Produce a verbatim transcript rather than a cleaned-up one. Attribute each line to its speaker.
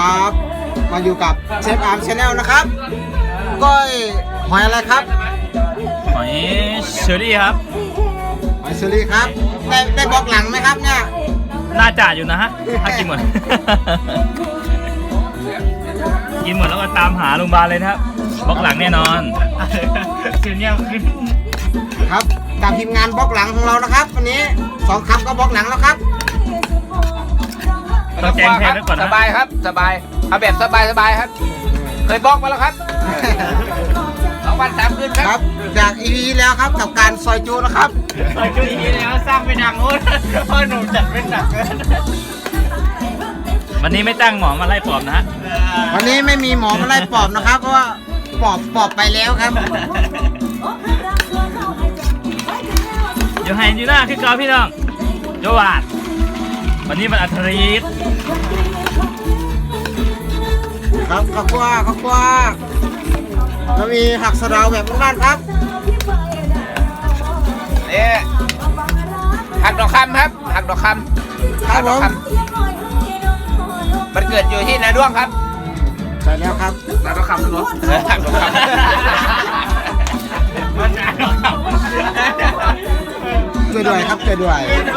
Speaker 1: ครับมาอยู่กับเชฟอาร์มชาแนลนะครับก้อยหอยอะไรครับ
Speaker 2: หอยเชอรี่ครับ
Speaker 1: หอยเชอรี่ครับได้ได้บล็อกหลังไหมครับเนี่ย
Speaker 2: น่าจะอยู่นะฮะถ้ากินหมด กินหมดแล้วก็ตามหาโรงพยาบาลเลยนะครับบล็อกหลังแน่นอนเสียงเงียบขึ้น
Speaker 1: ครับกับทีมงานบล็อกหลังของเรานะครับวันนี้สองครับก็บล็อกหลังแล้วครับ
Speaker 2: ต้องแจ้งแทนไว้ก่อน
Speaker 3: ส
Speaker 2: นะ
Speaker 3: บายครับสบายเอาแบบสบายสบายครับ เคยบล็อกมาแล้วครับสองวันสามคืนค
Speaker 1: ค
Speaker 3: รั
Speaker 1: รับ บจากอีพีแล้วครับกับการซอยจูนะครับ
Speaker 2: ซอยจุดนี้แล้วสร้างไปดังโอ้ยพ่อหนุ่มจัดเป็นหนักเกินวันนี้ไม่ตั้งหมอมาไล่ปอบนะฮะ
Speaker 1: วันนี้ไม่มีหมอมาไล่ปอบนะครับเพราะว่าปอบปอบไปแล้วครับ
Speaker 2: อยู่ไฮยูน่าคือเกาพี่น้องโจวาดวันนี้มันอัธรีต
Speaker 1: ครับข้าวคั่วข้าวคั่วแล้วมีผักสะเดาแบบบ้านๆครับ
Speaker 3: นี่หักดอกคำครับหักดอกคำ
Speaker 1: ครั
Speaker 3: หั
Speaker 1: บ
Speaker 3: ก
Speaker 1: ผ
Speaker 3: ดอก
Speaker 1: ม
Speaker 3: คำมันเกิดอยู่ที่นาด้วงครับ
Speaker 1: ใช่แล้วครับ
Speaker 3: นาดอกคำเหรอหักดอกคำ
Speaker 2: มันหนาว
Speaker 1: ช่วยด้วยครับช่วยด้วย